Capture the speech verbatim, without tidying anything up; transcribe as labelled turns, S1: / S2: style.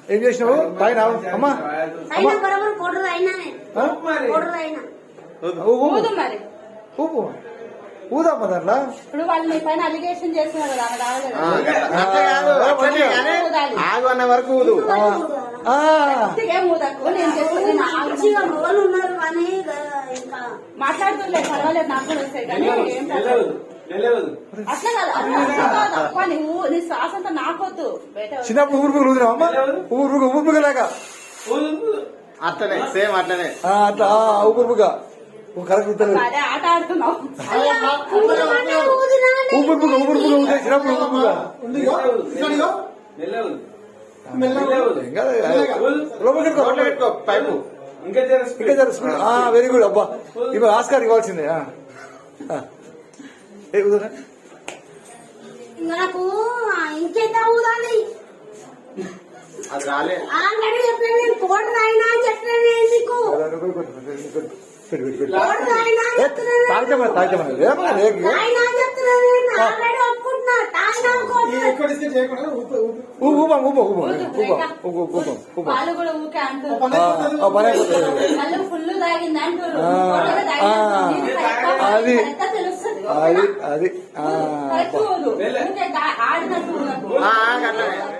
S1: ఏం చేసినావు తాగినావు అమ్మా ఊపు ఊదమ్మా దాంట్లో
S2: ఇప్పుడు వాళ్ళు మీ పైన అలిగేషన్ చేస్తున్నారు కదా
S3: ఆగు అన్న వరకు ఊదు
S2: మాట్లాడుతుండే పర్వాలేదు నాకు కూడా వస్తాయి కానీ ఏం అట్లా కాదు నువ్వు నీ శ్వాస అంతా నాకొద్దు
S1: చిన్నప్పుడు ఊరుపులు ఊదినావు అమ్మా ఊరుపుగా ఊపుగా
S3: అట్లనే సేమ్ అట్లనే
S1: అట్లా ఊపుగా కరెక్ట్
S2: అదే ఆట ఆడుతున్నావు
S1: ఊపుగా ఊపుగా ఊదే చిన్నప్పుడు ఊపుగా
S3: పైపు
S1: ఇంకా వెరీ గుడ్ అబ్బా ఇప్పుడు ఆస్కార్ ఇవ్వాల్సిందే
S4: నాకు ఇంకెంత ఊదాలి
S3: అది రాలే
S4: ఆల్రెడీ చెప్పాను నేను కోట రాయినా అని చెప్పాను ఎందుకు
S1: తాగితే తాగితే ఊపా ఊపా ఊపా ఊపా
S2: వాళ్ళు కూడా ఊకే అంటారు
S1: పని
S2: ఫుల్ తాగింది అంటారు
S1: అది అది అది
S2: ఆడినట్టు